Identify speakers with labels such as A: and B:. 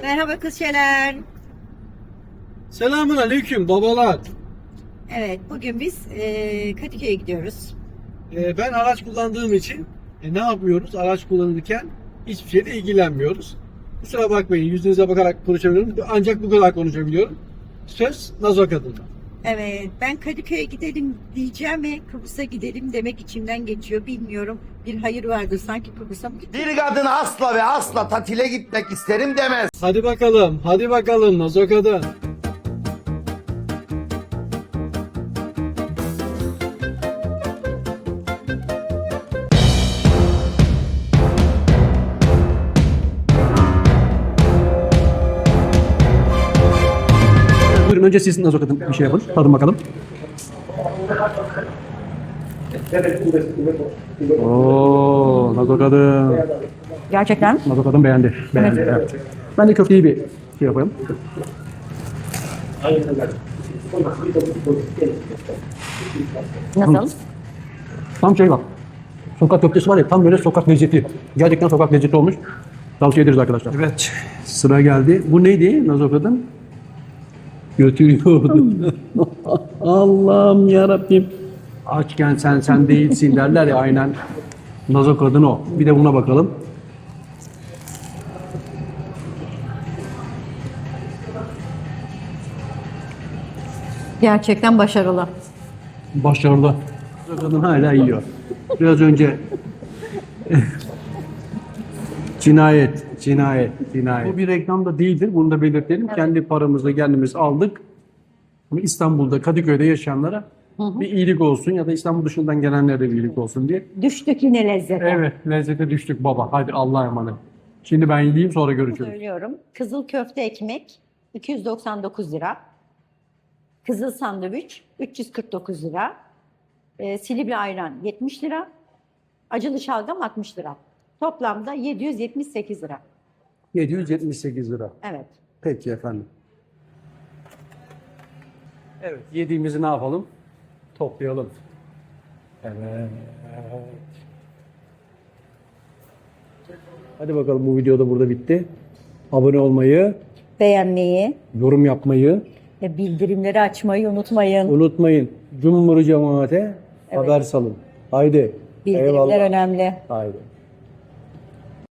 A: Merhaba kızçeler.
B: Selamun aleyküm babalar.
A: Evet, bugün biz Kadıköy'e gidiyoruz.
B: Ben araç kullandığım için ne yapıyoruz? Araç kullanırken hiçbir şeyle ilgilenmiyoruz. Kusura bakmayın, yüzünüze bakarak konuşabiliyorum. Ancak bu kadar konuşabiliyorum. Söz Nazo Kadın'da.
A: Evet, ben Kadıköy'e gidelim diyeceğim ve Kıbrıs'a gidelim demek içimden geçiyor. Bilmiyorum, bir hayır vardır sanki Kıbrıs'a mı gidiyor?
C: Bir kadın asla ve asla tatile gitmek isterim demez.
B: Hadi bakalım Nazo Kadın.
D: Buyurun önce siz Nazo Kadın bir şey yapın. Tadın bakalım. Oo, Nazo Kadın.
A: Gerçekten?
D: Nazo Kadın beğendi. Beğendi. Evet. Ben de köfteyi bir şey yapayım.
A: Nasıl?
D: Tam şey bak. Sokak köftesi var ya, tam böyle sokak lezzeti. Gerçekten sokak lezzeti olmuş. Tavsiye ederiz arkadaşlar. Evet. Sıra geldi. Bu neydi Nazo Kadın? Götürüyordu. Allah'ım yarabbim. Açken sen değilsin derler ya, aynen. Nazo Kadın o. Bir de buna bakalım.
A: Gerçekten başarılı.
D: Başarılı. Nazo Kadın hala yiyor. Biraz önce cinayet. Bu bir reklam da değildir. Bunu da belirtelim.
A: Evet.
D: Kendi paramızla kendimiz aldık. Ama İstanbul'da, Kadıköy'de yaşayanlara bir iyilik olsun ya da İstanbul dışından gelenlere de bir iyilik olsun diye.
A: Düştük yine lezzete.
D: Evet, lezzete düştük baba. Hadi Allah'a emanet. Şimdi ben yiyeyim, sonra görüşürüz.
A: Söylüyorum. Kızıl köfte ekmek 299 lira. Kızıl sandviç 349 lira. Silivri ayran 70 lira. Acılı şalgam 60 lira. Toplamda 778 lira.
D: 778 lira.
A: Evet.
D: Peki efendim. Evet, yediğimizi ne yapalım? Toplayalım. Evet. Hadi bakalım, bu video da burada bitti. Abone olmayı,
A: Beğenmeyi
D: yorum yapmayı
A: ve bildirimleri açmayı unutmayın.
D: unutmayın. Cumhur cemaate haber salın. Haydi.
A: Bildirimler
D: Eyvallah.
A: önemli.
D: Haydi.